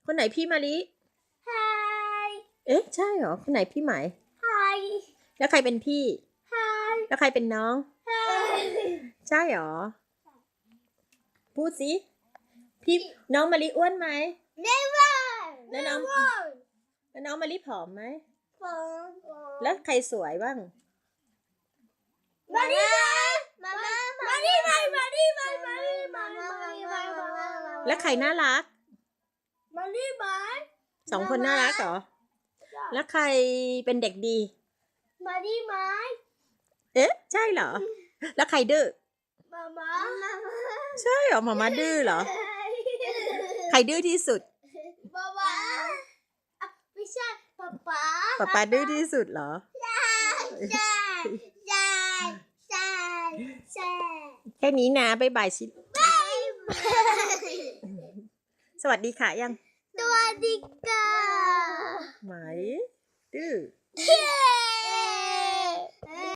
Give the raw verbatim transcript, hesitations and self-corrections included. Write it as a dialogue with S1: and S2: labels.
S1: คนไหนพี่มะลิ
S2: Hi
S1: เอ๊ะใช่เหรอคนไหนพี่ไหม
S2: Hi
S1: แล้วใครเป็นพี่
S2: Hi
S1: แล้วใครเป็นน้อง
S2: Hi
S1: ใช่เหรอพูดสิพี่น้องมะลิอ้วนไหม
S2: Never
S1: แล้วน้อง
S2: Never
S1: แล้วน้องมะลิผอมไหม
S2: Phone
S1: แล้วใครสวยบ้าง
S2: Mama Mama Mama Mama Mama Mama
S1: แล้วใครน่ารัก
S2: Mama Mama
S1: สองคนน่ารักเหรอแล้วใครเป็นเด็กดี
S2: Mama Mama
S1: เอ๊ะใช่เหรอแล้วใครดื้อ
S2: Mama
S1: ใช่เหรอหมามาดื้อเหรอใครดื้อที่สุด
S2: Mama ไม่ใช่ป๊าป๊า
S1: ป๊าป๊าดื้อที่สุดเหรอ
S2: ใช่ใช่ใช่ใช่ใช่
S1: แค่นี้นะบ๊ายบายชิ
S2: บาย
S1: สวัสดีค่ะยัง
S2: สวัสดีค่ะ
S1: ไหมดื้อ
S2: เย้